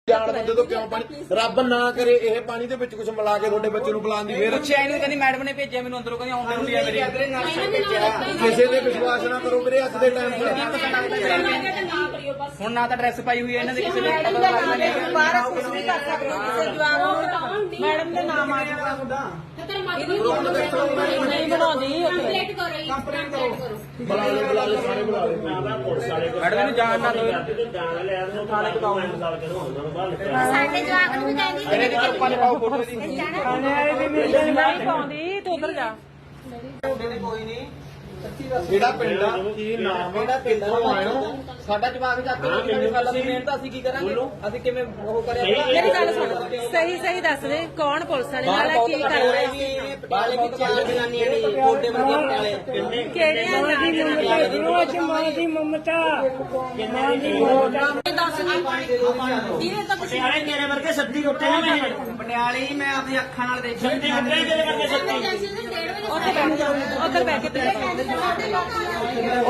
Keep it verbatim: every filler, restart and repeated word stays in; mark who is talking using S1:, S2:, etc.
S1: ਜਾਣ ਬੰਦੇ ਤੋਂ ਕਿਉਂ ਪਾਣੀ ਰੱਬ ਨਾ ਕਰੇ ਇਹ ਪਾਣੀ ਦੇ ਵਿੱਚ ਕੁਝ ਮਿਲਾ ਕੇ ਤੁਹਾਡੇ ਬੱਚੇ ਨੂੰ ਪਿਲਾਉਣ ਦੀ ਫੇਰ
S2: ਪੁੱਛਿਆ ਇਹਨੂੰ ਕਹਿੰਦੀ ਮੈਡਮ ਨੇ ਭੇਜਿਆ ਮੈਨੂੰ ਅੰਦਰੋਂ ਕਹਿੰਦੀ ਆਉਂਦੇ ਹੁੰਦੀ ਆ ਮੇਰੀ
S1: ਕਿਸੇ ਤੇ ਵਿਸ਼ਵਾਸ ਨਾ ਕਰੋ ਵੀਰੇ ਅੱਜ ਦੇ ਟਾਈਮ 'ਚ
S2: ਹੁਣ ਨਾ ਤਾਂ ਡਰੈਸ ਪਾਈ ਹੋਈ ਹੈ ਇਹਨਾਂ ਦੇ ਕਿਸੇ ਦੇ
S3: ਬਾਹਰ ਕੁਝ ਨਹੀਂ ਕਰ ਸਕਦੇ ਕਿਸੇ ਜਵਾਬ ਮੈਡਮ ਦੇ ਨਾਮ ਆ ਜਾਊਗਾ ਨਹੀਂ ਬਣਾਉਂਦੀ ਕੰਪਲੀਟ ਕਰੋ ਕੰਪਲੀਟ ਕਰੋ
S1: ਬੁਲਾ ਲਓ ਬੁਲਾ ਲਓ ਸਾਰੇ ਬੁਲਾ ਲਓ
S2: ਮੈਡਮ ਨੂੰ ਜਾਣ ਨਾ ਦਿਓ
S3: ਸਾਡੇ ਜਵਾਬ ਨੂੰ ਕਹਿੰਦੀ
S2: ਇਹਨੇ ਦੀ ਚੁੱਪਾਂ ਨੇ ਪਾਓ ਫੋਟੋ ਦੀ
S3: ਨਹੀਂ ਪਾਉਂਦੀ ਤੂੰ ਉਧਰ ਜਾ
S2: ਕੋਈ ਨਹੀਂ
S1: ਜਿਹੜਾ ਪਿੰਡ ਆ ਕੀ ਨਾਮ ਆ ਕਿੱਥੋਂ ਆਏ ਹੋ
S2: ਸਾਡਾ ਜਵਾਬ ਚੱਕ ਕੇ ਨਹੀਂ ਗੱਲ ਦੀ ਮਿਹਨਤ ਅਸੀਂ ਕੀ ਕਰਾਂਗੇ ਅਸੀਂ ਕਿਵੇਂ ਉਹ ਕਰਿਆ
S3: ਮੇਰੀ ਗੱਲ ਸੁਣ ਸਹੀ ਸਹੀ ਦੱਸ ਦੇ ਕੌਣ ਪੁਲਿਸ ਵਾਲੇ ਨਾਲ ਹੈ, ਕੀ ਕਰ ਰਿਹਾ
S2: ਬਾਲੇ ਵਿੱਚ ਚਾਰ ਜਨਾਨੀਆਂ ਨੇ ਕੋਡੇ ਵਰਗੇ ਪਟਿਆਲੇ
S3: ਕਿਹੜੀਆਂ
S4: ਰੋਜ਼ ਮਾਂ ਦੀ ਮਮਤਾ ਮਾਂ ਦੀ ਮਮਤਾ
S3: ਦੱਸ ਨਹੀਂ ਇਹ ਤਾਂ
S4: ਪਟਿਆਲੇ ਮੇਰੇ ਵਰਗੇ ਸੱਦੀ ਉੱਤੇ ਨਾ ਮੈਂ
S2: ਪਟਿਆਲੇ ਮੈਂ ਆਪਣੀ ਅੱਖਾਂ ਨਾਲ ਦੇਖਿਆ
S4: ਸੱਦੀ ਉੱਤੇ ਮੇਰੇ ਵਰਗੇ ਸੱਦੀ
S3: ਉੱਥੇ ਬੈਠ ਜਾ ਉੱਧਰ ਬੈਠ ਕੇ